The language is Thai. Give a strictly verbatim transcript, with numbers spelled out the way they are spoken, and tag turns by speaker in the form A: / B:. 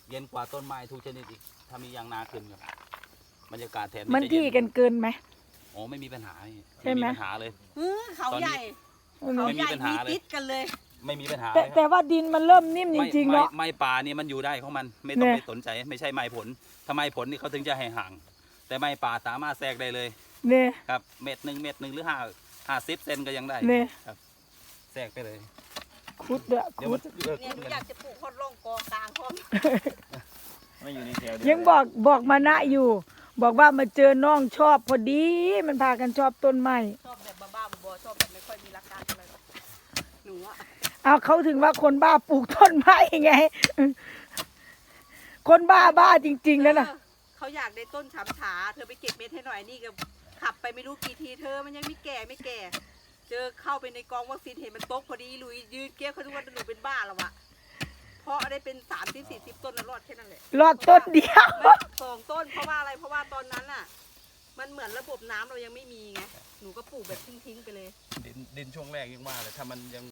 A: เย็นกว่าต้นไม้ทุกชนิดอีกถ้ามียางนาขึ้นครับบรรยากาศแถบ
B: มัน
A: จะ
B: ที่
A: เย็
B: กันเกินไหม
A: โอ้ไม่มีปัญหาพี่
B: ใช่ไหม
A: ปัญหาเลย
C: เออเขาใหญ่
B: เนอะ
C: เขาใหญ่
A: ไม่มีปัญหา
C: มี
A: เลย
C: ติดกันเลย
A: ไม่มีปัญหา
B: แต่
A: เลยครับ
B: แต่ว่าดินมันเริ่มนิ่มจ
A: ไม่
B: ริงๆ
A: ไม่
B: เนาะ
A: ไม้ป่านี่มันอยู่ได้ของมันไม่ต้อง
B: เนี่ย
A: ไปสนใจไม่ใช่ไม้ผลถ้าไม้ผลนี่เขาถึงจะให้ห่าง แต่ไม้ป่าสามารถแทรกได้เลย
B: เนี่ย
A: ครับเม็ดหนึ่งเม็ดหนึ่งหรือห้าห้าสิบเซนก็ยังได้
B: เนี่ย
A: ครับแทรกไปเลย
B: คุดเด้อ
A: เดี๋ยว
B: คุ
A: มั
B: ด
A: นเลิก
C: เนี่ยหนูอยากจะปลูกคนร่องกอกลางพร้อม
A: ไม่อยู่ในแถวเดีว
B: ยังบอกบอกมานะอยู่ บอกว่ามาเจอน้องชอบพอดี มันพากันชอบต้นไม้
C: ชอบแบบบ้าๆบอๆชอบแบบไม่ค่อยมีหลักการอะไรหรอกหนูอะ
B: เอาเขาถึงว่าคนบ้าปลูกต้นไม้ไง คนบ้าบ้าจริงๆแล้วนะ
C: เออเขาอยากได้ต้นฉำฉาเธอไปเก็บเม็ดให้หน่อยนี่ก็ขับไปไม่รู้กี่ทีเธอมันยังไม่แก่ไม่แก่ เจอเข้าไปในกองวัคซีนเห็นมันตกพอดีลุยยืนเกี้ยวเขาทุกวันหนูเป็นบ้าแล้ววะเพราะได้เป็นสามสิบสี่สิบต้นแล้วรอดแค่นั้นแหละ
B: รอดต้นเดียว
C: ไม่สองต้นเพราะว่าอะไรเพราะว่าตอนนั้นอ่ะ มันเหมือนระบบน้ำเรายังไม่มีไงหนูก็ปลูกแบบทิ้งๆไปเลย
A: ดินดินช่วงแรกยังว่าเลยถ้ามันยัง